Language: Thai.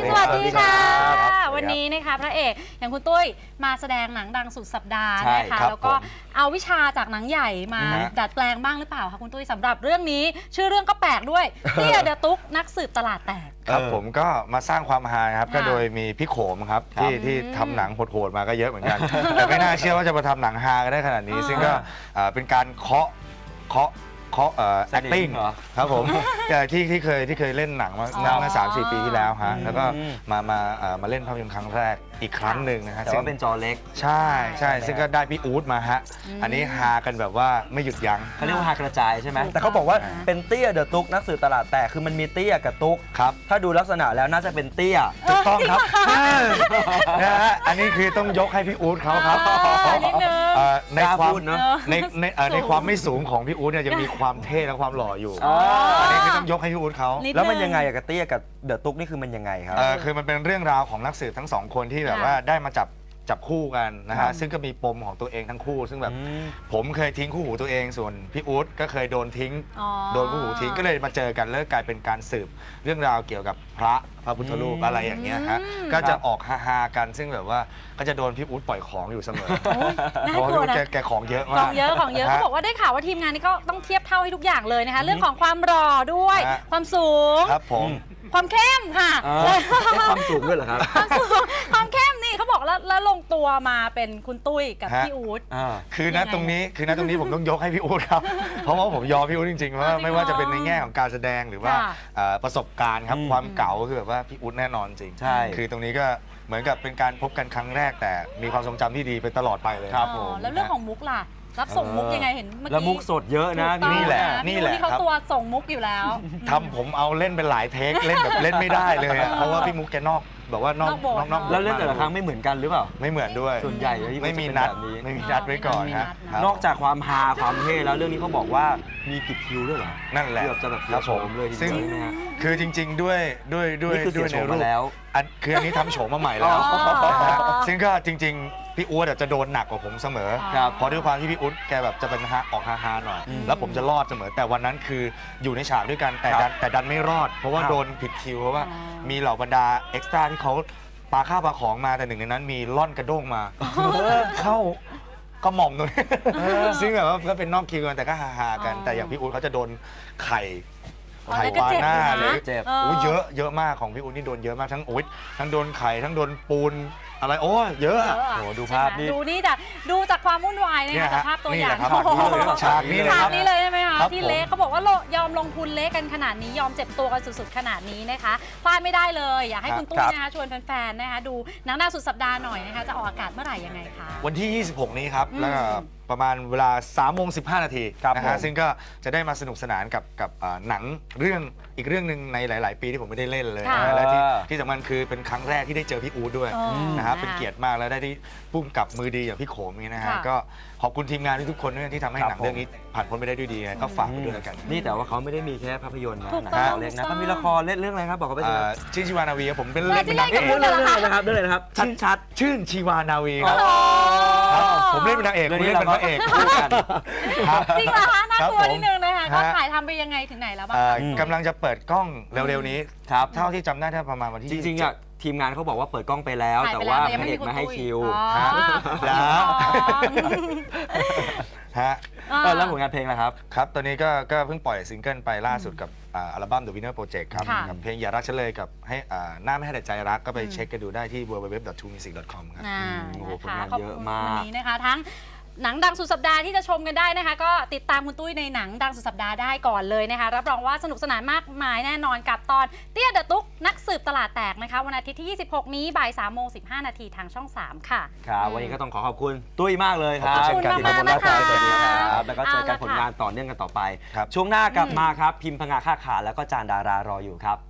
สวัสดีค่ะวันนี้นะคะพระเอกอย่างคุณตุ้ยมาแสดงหนังดังสุดสัปดาห์นะคะแล้วก็เอาวิชาจากหนังใหญ่มาดัดแปลงบ้างหรือเปล่าคะคุณตุ้ยสำหรับเรื่องนี้ชื่อเรื่องก็แปลกด้วยเตี้ยเดอะตุ๊กนักสืบตลาดแตกครับผมก็มาสร้างความฮาครับก็โดยมีพี่โขมครับที่ทำหนังโหดๆมาก็เยอะเหมือนกันแต่ไม่น่าเชื่อว่าจะมาทำหนังฮากันได้ขนาดนี้ซึ่งก็เป็นการเคาะacting ครับผมที่เคยเล่นหนังมา3-4 ปีที่แล้วฮะแล้วก็มาเล่นภาพยนตร์ครั้งแรกอีกครั้งหนึ่งนะฮะแต่ว่าเป็นจอเล็กใช่ซึ่งก็ได้พี่อู๊ดมาฮะอันนี้ฮากันแบบว่าไม่หยุดยั้งเขาเรียกว่าฮากระจายใช่ไหมแต่เขาบอกว่าเป็นเตี้ยเดอะตุ๊กนักสืบตลาดแตกคือมันมีเตี้ยกับตุ๊กครับถ้าดูลักษณะแล้วน่าจะเป็นเตี้ยถูกต้องครับนะฮะอันนี้คือต้องยกให้พี่อู๊ดเขาครับในความไม่สูงของพี่อู๊ดเนี่ยจะมีความเท่และความหล่ออยู่อันนี้คือต้องยกให้พี่อู๊ดเขาแล้วมันยังไงกับเตี้ยกับเดอะตุ๊กนี่คือมันยังไงครับคือมันเป็นเรื่องราวของนักสืบทั้ง2 คนที่แบบว่าได้มาจับคู่กันนะฮะซึ่งก็มีปมของตัวเองทั้งคู่ซึ่งแบบผมเคยทิ้งคู่หูตัวเองส่วนพี่อู๊ดก็เคยโดนคู่หูทิ้งก็เลยมาเจอกันแล้วกลายเป็นการสืบเรื่องราวเกี่ยวกับพระพุทธรูปอะไรอย่างเงี้ยฮะก็จะออกฮาๆกันซึ่งแบบว่าก็จะโดนพี่อู๊ดปล่อยของอยู่เสมอเพราะว่าแกของเยอะมากของเยอะเขาบอกว่าได้ข่าวว่าทีมงานนี้ก็ต้องเทียบเท่าให้ทุกอย่างเลยนะคะเรื่องของความหล่อด้วยความสูงครับผมความเข้มค่ะความสูงด้วยเหรอครับความเข้มนี่เขาบอกแล้วลงตัวมาเป็นคุณตุ้ยกับพี่อู๊ดคือณตรงนี้ผมต้องยกให้พี่อู๊ดครับเพราะว่าผมยอมพี่อู๊ดจริงๆว่าไม่ว่าจะเป็นในแง่ของการแสดงหรือว่าประสบการณ์ครับความเก๋าคือแบบว่าพี่อู๊ดแน่นอนจริงใช่คือตรงนี้ก็เหมือนกับเป็นการพบกันครั้งแรกแต่มีความทรงจำที่ดีไปตลอดไปเลยครับผมแล้วเรื่องของมุกล่ะรับส่งมุกยังไงเห็นเมื่อกี้แล้วมุกสดเยอะนะนี่แหละที่เขาตัวส่งมุกอยู่แล้วทำผมเอาเล่นเป็นหลายเทคเล่นแบบเล่นไม่ได้เลยเพราะว่าพี่มุกแกนอกแบบว่านอกแล้วเล่นแต่ละครั้งไม่เหมือนกันหรือเปล่าไม่เหมือนด้วยส่วนใหญ่ไม่มีนัดไว้ก่อนฮะนอกจากความฮาความเท่แล้วเรื่องนี้เขาบอกว่ามีผิดคิวด้วยเหรอนั่นแหละเกือบจะแบบเสียโฉมเลยซึ่งคือจริงๆด้วยในรูปแล้วคืออันนี้ทำโฉมมาใหม่แล้วซึ่งก็จริงๆพี่อู๊ดจะโดนหนักกว่าผมเสมอเพราะด้วยความที่พี่อู๊ดแกแบบจะเป็นออกฮาๆหน่อยแล้วผมจะรอดเสมอแต่วันนั้นคืออยู่ในฉากด้วยกันแต่ดันไม่รอดเพราะว่าโดนผิดคิวเพราะว่ามีเหล่าบรรดาเอ็กซ์ตร้าที่เขาปาข้าวปาของมาแต่หนึ่งในนั้นมีล่อนกระด้งมาเข้ากระหม่อมตรงนี้ซึ่งแบบว่าก็เป็นนอกคิวกันแต่ก็ฮาๆกันแต่อย่างพี่อู๊ดเขาจะโดนไข่ปาหน้าเลยเจ็บเยอะมากของพี่อู๊ดนี่โดนเยอะมากทั้งโอ๊ยทั้งโดนไข่ทั้งโดนปูนอะไรโอ้เยอะโอ้ดูภาพนี่ดูจากความวุ่นวายนะคะจากภาพตัวอย่างฉากนี้เลยใช่ไหมคะที่เละเขาบอกว่ายอมลงทุนเละกันขนาดนี้ยอมเจ็บตัวกันสุดๆขนาดนี้นะคะพลาดไม่ได้เลยอยากให้คุณตุ้ยนะคะชวนแฟนๆนะคะดูหนังหน้าสุดสัปดาห์หน่อยนะคะจะออกอากาศเมื่อไหร่ยังไงคะวันที่26นี้ครับแล้วประมาณเวลา3:15 นาทีนะฮะซึ่งก็จะได้มาสนุกสนานกับหนังอีกเรื่องหนึ่งในหลายๆปีที่ผมไม่ได้เล่นเลยและที่สำคัญคือเป็นครั้งแรกที่ได้เจอพี่อู๊ดด้วยนะครับเป็นเกียรติมากแล้วได้ที่พุ่งกับมือดีอย่างพี่โขมนี่นะฮะก็ขอบคุณทีมงานทุกคนที่ทำให้หนังเรื่องนี้ผ่านพ้นไปได้ด้วยดีก็ฝากไปด้วยกันนี่แต่ว่าเขาไม่ได้มีแค่ภาพยนตร์นะหนังเล็กนะเขามีละครเล่นเรื่องอะไรครับบอกเขาไปสิชื่นชีวานาวีผมเป็นเล่นเป็นนางเอกเรื่องอะไรนะครับชัดชื่นชีวานาวีผมเล่นเป็นนางเอกคุณเล่นเป็นพระเอกคู่กันจริงเหรอคะน่ากลัวนิดนึงนะคะก็ถ่ายทำไปยังไงถึงไหนแล้วบ้างกำลังจะเปิดกล้องเร็วๆนี้ครับเท่าที่จำได้ถ้าประมาณวันที่จริงๆอะทีมงานเขาบอกว่าเปิดกล้องไปแล้วแต่ว่าพระเอกไม่ให้คิวแล้วแล้วผลงานเพลงล่ะครับครับตอนนี้ก็เพิ่งปล่อยซิงเกิลไปล่าสุดกับอัลบั้ม The Winner Project ครับกับเพลงอย่ารักฉันเลยกับให้หน้าไม่ให้แต่ใจรักก็ไปเช็คกันดูได้ที่ www.2music.com ครับโอ้โหผลงานเยอะมากวันนี้นะคะทั้งหนังดังสุดสัปดาห์ที่จะชมกันได้นะคะก็ติดตามคุณตุ้ยในหนังดังสุดสัปดาห์ได้ก่อนเลยนะคะรับรองว่าสนุกสนานมากมายแน่นอนกับตอนเตี้ยเดอะตุ๊กนักสืบตลาดแตกนะคะวันอาทิตย์ที่26นี้บ่าย3:15 นาทีทางช่อง3ค่ะครับวันนี้ก็ต้องขอบคุณตุ้ยมากเลยครับขอบคุณมากนะคะสวัสดีครับแล้วก็เจอกันผลงานต่อเนื่องกันต่อไปช่วงหน้ากลับมาครับพิมพ์พงาค่าขาแล้วก็จานดารารออยู่ครับ